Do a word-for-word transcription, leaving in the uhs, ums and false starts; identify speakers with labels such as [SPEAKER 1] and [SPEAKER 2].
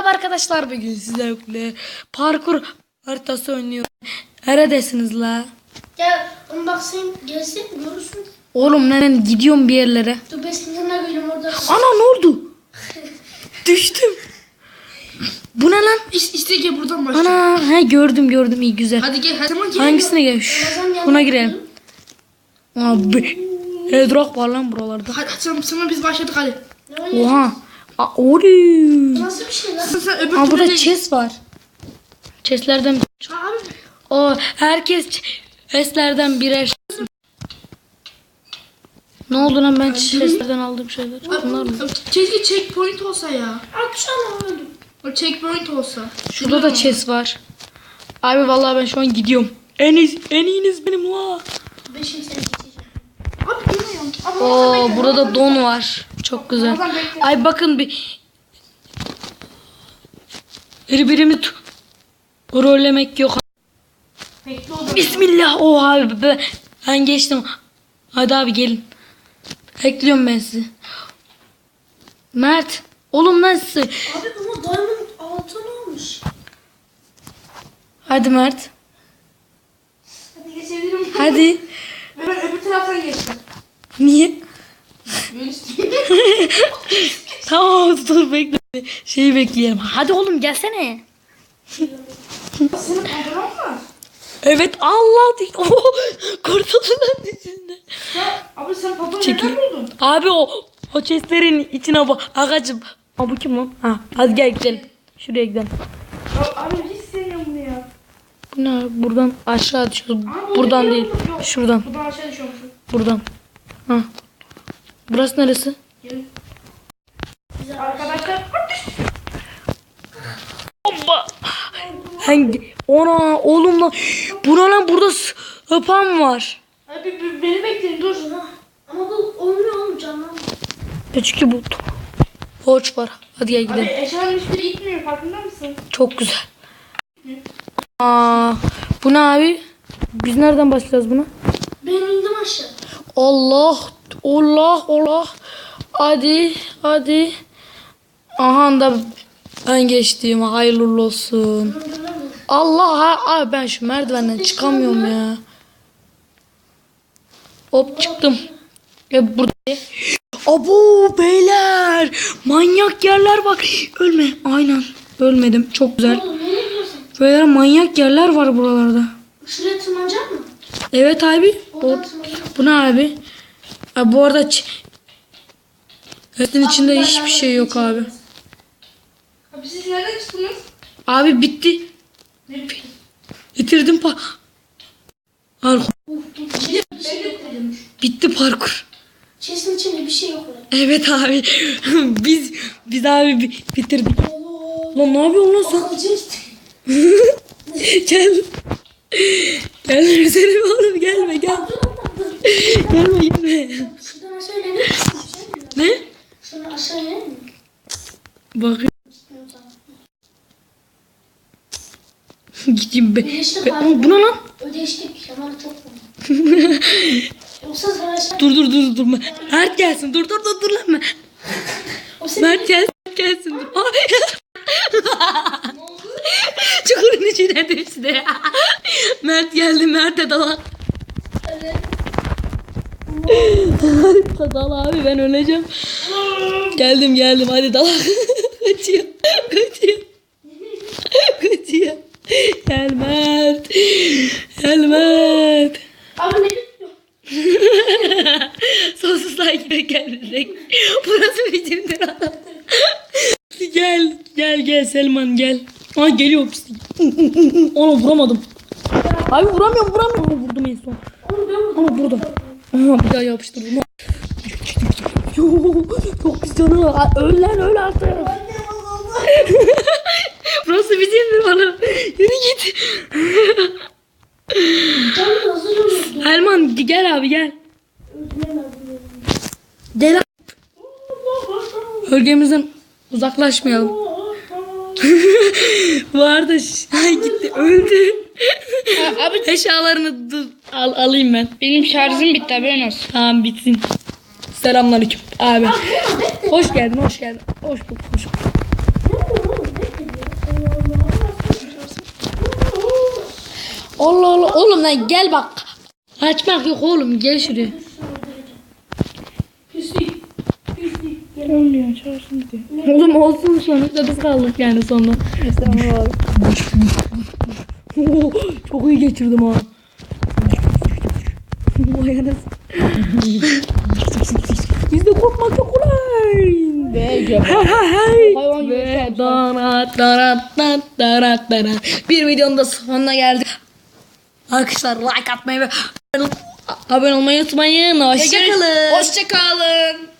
[SPEAKER 1] Merhaba arkadaşlar, bugün sizlerle parkur haritası oynuyorum. Neredesiniz la?
[SPEAKER 2] Gel onu bak sen gelsin görürsün.
[SPEAKER 1] Oğlum ben gidiyorum bir yerlere.
[SPEAKER 2] Dur ben senin yanına geleyim orada.
[SPEAKER 1] Ana ne oldu? Düştüm. Bu ne lan?
[SPEAKER 3] İşte, işte gel buradan başlayalım.
[SPEAKER 1] Ana he gördüm gördüm iyi güzel.
[SPEAKER 3] Hadi gel. Hadi tamam gel.
[SPEAKER 1] Hangisine gel? Şş, buna girelim. Abi. Hedrock var lan buralarda.
[SPEAKER 3] Hadi sana, sana biz başladık hadi.
[SPEAKER 1] Oha. Aa, oy.
[SPEAKER 2] Nasıl bir şey lan?
[SPEAKER 3] Sen, sen öbür
[SPEAKER 1] Aa, burada
[SPEAKER 3] türlü-
[SPEAKER 1] chest var. Chestlerden
[SPEAKER 3] Abi.
[SPEAKER 1] o herkes chestlerden birer. Ne oldu lan, ben chestlerden aldığım şeyler. Bunlar mı?
[SPEAKER 3] Keşke checkpoint olsa ya.
[SPEAKER 2] Akşam öldüm.
[SPEAKER 3] O checkpoint olsa.
[SPEAKER 1] Şurada da chest var. Abi vallahi ben şu an gidiyorum. En iyi, en iyiniz benim la.
[SPEAKER 2] Ben şimdi seni geçeceğim.
[SPEAKER 3] Abi bilmiyorum. Abi
[SPEAKER 1] Oo, burada da don var. Çok güzel.
[SPEAKER 3] Ramazan bekle.
[SPEAKER 1] Ay bakın bir. Birbirimi tu- rollemek yok.
[SPEAKER 3] Bekle o da.
[SPEAKER 1] Bismillah. Oh abi ben, ben geçtim. Hadi abi gelin. Bekliyorum ben sizi. Mert. Oğlum nasıl?
[SPEAKER 2] Abi ama diamond altın olmuş.
[SPEAKER 1] Hadi Mert.
[SPEAKER 3] Hadi geçebilirim.
[SPEAKER 1] Hadi.
[SPEAKER 3] Ve ben öbür taraftan geçtim.
[SPEAKER 1] Niye?
[SPEAKER 3] Böyle işte.
[SPEAKER 1] Tamam dur bekle. Şeyi bekleyelim. Hadi oğlum gelsene.
[SPEAKER 3] Senin pantolon mu var?
[SPEAKER 1] Evet Allah değil. Oh, kurtuldum lan içinde.
[SPEAKER 3] Ya abi sen pantolonu
[SPEAKER 1] Çekil.
[SPEAKER 3] nereden buldun?
[SPEAKER 1] Abi o o chestlerin içine bak. Agacım. Aa, bu kim lan? Ha, hadi gel gidelim. Şuraya gidelim.
[SPEAKER 3] Ya, abi hiç sevmiyorum bunu ya.
[SPEAKER 1] Bu ne? Buradan aşağı düşüyoruz.
[SPEAKER 3] Abi,
[SPEAKER 1] Buradan
[SPEAKER 3] orada
[SPEAKER 1] değil.
[SPEAKER 3] yok, yok.
[SPEAKER 1] Şuradan.
[SPEAKER 3] Buradan aşağı düşüyormuşum.
[SPEAKER 1] Buradan. Ha. Burası neresi?
[SPEAKER 3] Gelin. Arkadaşlar.
[SPEAKER 1] Hoppa. Hangi? Ona oğlum lan. Buna lan burada sapan var.
[SPEAKER 3] Abi b- beni bekleyin dur.
[SPEAKER 2] Ama bu olmuyor oğlum canlanmıyor.
[SPEAKER 1] E çünkü bu borç var. Hadi gel
[SPEAKER 3] Abi
[SPEAKER 1] gidelim.
[SPEAKER 3] eşyanın hiçbiri gitmiyor farkında mısın?
[SPEAKER 1] Çok güzel. Aa, bu ne abi? Biz nereden başlayacağız buna?
[SPEAKER 2] Ben indim aşağı.
[SPEAKER 1] Allah, Allah, Allah. Hadi, hadi. Aha da ben geçtim. Hayırlı uğurlu olsun.
[SPEAKER 2] Dur, dur, dur.
[SPEAKER 1] Allah, ha, abi ben şu merdivenden çıkamıyorum ya. Hop çıktım. Ya burada. Abo beyler. Manyak yerler bak. Ölme. Aynen. Ölmedim. Çok güzel.
[SPEAKER 2] Oğlum ne yapıyorsun?
[SPEAKER 1] Beyler manyak yerler var buralarda.
[SPEAKER 2] Şuraya tırmanacak mı?
[SPEAKER 1] Evet abi. O,
[SPEAKER 2] Oradan tırmanacak.
[SPEAKER 1] bu ne abi? Abi bu arada ç- Etin içinde hiçbir şey yok abi.
[SPEAKER 3] Abi siz nereden çıktınız?
[SPEAKER 1] Abi bitti.
[SPEAKER 3] Ne?
[SPEAKER 1] Bitirdim pa. Parkur.
[SPEAKER 2] Uf, dur, bir şey, bir şey yok.
[SPEAKER 1] Bitti parkur.
[SPEAKER 2] Chest'in içinde bir şey yok lan.
[SPEAKER 1] Evet abi. biz biz abi bi- bitirdik.
[SPEAKER 2] Allah.
[SPEAKER 1] Lan ne yapıyorsun lan sen?
[SPEAKER 2] Akılcı işte.
[SPEAKER 1] Gel. Gel Selim oğlum gelme gel. Gelme gelme.
[SPEAKER 2] Şuradan aşağı inebilir misin?
[SPEAKER 1] Ne?
[SPEAKER 2] Şuradan aşağı inebilir mi?
[SPEAKER 1] Bakın. Gideyim be.
[SPEAKER 2] Ödeştik
[SPEAKER 1] be.
[SPEAKER 2] abi.
[SPEAKER 1] Ama bu ne lan?
[SPEAKER 2] Ödeştik. Kemal çok vurdu. Yoksa savaşta...
[SPEAKER 1] Dur dur dur dur. Mert gelsin. Dur dur dur dur lan.
[SPEAKER 2] O senin...
[SPEAKER 1] Mert gelsin gelsin. Dur. Çukurun içine düştü. Mert geldi. Mert'e dalak.
[SPEAKER 2] Evet.
[SPEAKER 1] Dal abi ben öleceğim. Geldim geldim hadi dalak. Kaçıyor. Kaçıyor. Kaçıyor. Gel Mert. Gel Mert.
[SPEAKER 2] Abi ne diyor?
[SPEAKER 1] Sonsuzluğa gibi geldik. Burası bizimdir adam. Gel gel gel Selman gel. Aa geliyor pislik. Ona vuramadım. Abi vuramıyorum vuramıyorum. Ama vurdum en son.
[SPEAKER 2] Oğlum ben vurdum.
[SPEAKER 1] Ama burada. Aha bir daha yapıştırdım. Yo, çok pis canı. Aa, öl lan öl artık. Burası bizimdir bana. Yürü git.
[SPEAKER 2] Canım da hazır olurdu.
[SPEAKER 1] Elman gel abi gel.
[SPEAKER 2] Öldüremezdim.
[SPEAKER 1] Gel abi. Bölgemizden uzaklaşmayalım. Vardı. Ay gitti öldü.
[SPEAKER 3] Abi
[SPEAKER 1] Eşyalarını dur, al, alayım ben.
[SPEAKER 3] benim şarjım bitti haberin olsun.
[SPEAKER 1] Tamam bitsin. Selamünaleyküm abi. Hoş geldin, hoş geldin. Hoş bulduk, hoş bulduk. Allah Allah oğlum lan gel bak. Kaçmak yok oğlum gel şuraya.
[SPEAKER 2] Pislik. Pislik.
[SPEAKER 3] Olmuyor çağırsın diye.
[SPEAKER 1] Oğlum olsun sonuçta biz kaldık yani sonra.
[SPEAKER 3] Estağfurullah.
[SPEAKER 1] Oo, çok iyi geçirdim ha. Vay anasını. Bizde korkmak çok kolay.
[SPEAKER 3] Ve cevap.
[SPEAKER 1] Ha ha hey.
[SPEAKER 3] Hayvan gibi
[SPEAKER 1] Ve
[SPEAKER 3] şey
[SPEAKER 1] darat darat darat darat darat. Bir videonun da sonuna geldik. Arkadaşlar like atmayı ve abone olmayı unutmayın. Hoşçakalın.
[SPEAKER 3] Hoşçakalın.